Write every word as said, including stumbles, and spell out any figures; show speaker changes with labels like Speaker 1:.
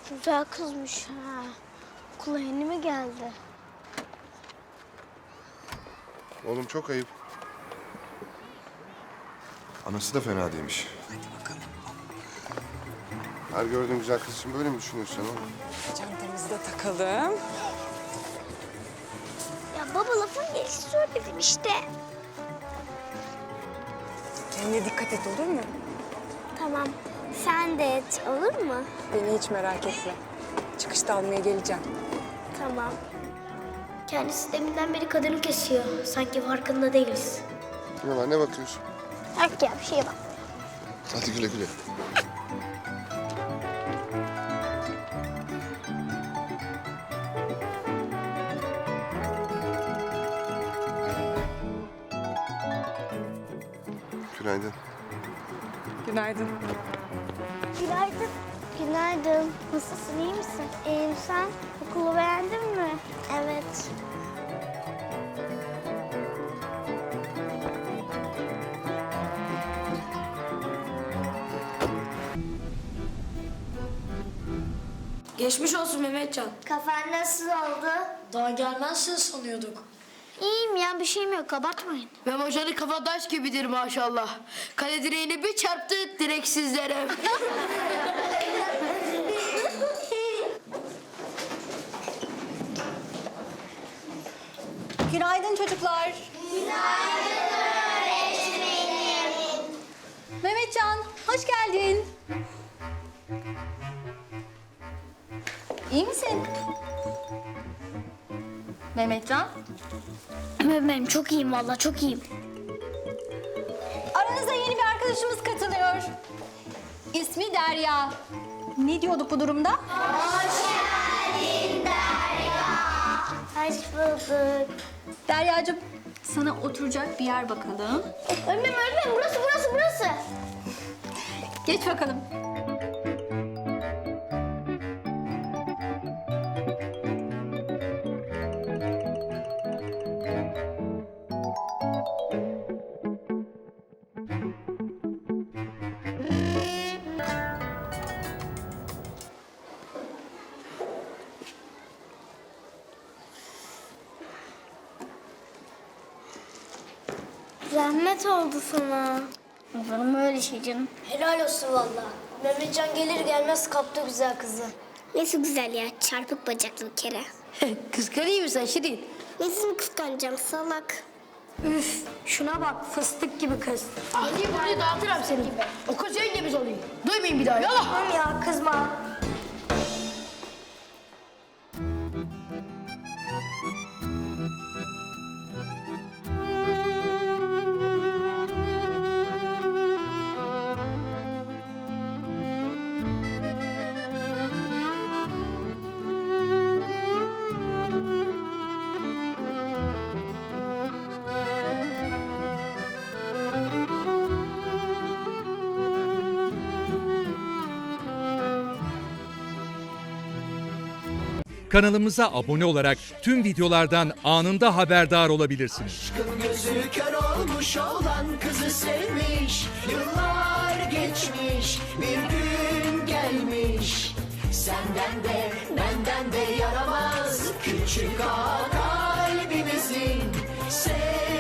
Speaker 1: Güzel kızmış ha. Okula yeni mi geldi?
Speaker 2: Oğlum çok ayıp. Anası da fena değilmiş.
Speaker 3: Hadi bakalım.
Speaker 2: Her gördüğün güzel kız için böyle mi düşünüyorsun sen oğlum?
Speaker 3: Çantamızı da takalım.
Speaker 1: Ya baba lafın gelişi söyledim işte.
Speaker 3: Kendine dikkat et, olur mu?
Speaker 1: Tamam. Sen de et olur mu?
Speaker 3: Beni hiç merak etme. Çıkışta almaya geleceğim.
Speaker 1: Tamam. Kendisi deminden beri kadını kesiyor. Sanki farkında değiliz.
Speaker 2: Ne var, ne bakıyorsun?
Speaker 1: Yok ya bir şeye bak.
Speaker 2: Hadi güle güle. Günaydın.
Speaker 3: Günaydın.
Speaker 1: Günaydın. Günaydın. Nasılsın, iyi misin? İyiyim, sen? Okulu beğendin mi? Evet.
Speaker 4: Geçmiş olsun Mehmetcan.
Speaker 1: Kafan nasıl oldu?
Speaker 4: Daha gelmezsin sanıyorduk.
Speaker 1: İyiyim ya, bir şeyim yok. Abartmayın.
Speaker 4: Mehmet Hoca'nın kafa taş gibidir maşallah. Kale direğine bir çarptı direksizlere.
Speaker 5: Günaydın çocuklar. Günaydın öğretmenim. Mehmetcan, hoş geldin. İyi misin? Mehmetcan,
Speaker 1: Benim çok iyiyim vallahi, çok iyiyim.
Speaker 5: aranıza yeni bir arkadaşımız katılıyor. İsmi Derya. Ne diyorduk bu durumda?
Speaker 1: Hoş bulduk.
Speaker 5: Deryacığım, sana oturacak bir yer bakalım.
Speaker 1: Öğretmenim, öğretmenim. Burası, burası, burası.
Speaker 5: Geç bakalım.
Speaker 1: Zahmet oldu sana. Olur mu öyle şey canım?
Speaker 4: Helal olsun valla. Mehmetcan gelir gelmez kaptı güzel kızı.
Speaker 1: Nesi güzel ya, çarpık bacaklı bir kere.
Speaker 4: Kıskanıyor musun Şirin?
Speaker 1: Nesini kıskanacağım salak.
Speaker 4: Üf, şuna bak fıstık gibi kız. Hadi burayı dağıtırım seni. O kız yengemiz oluyor. Duymayın bir daha yala.
Speaker 1: Tamam ya, kızma.
Speaker 6: Kanalımıza abone olarak tüm videolardan anında haberdar olabilirsiniz.
Speaker 7: Aşkın gözü kör olmuş olan kızı sevmiş. Yıllar geçmiş, bir gün gelmiş. Senden de benden de yaramaz küçük ağa.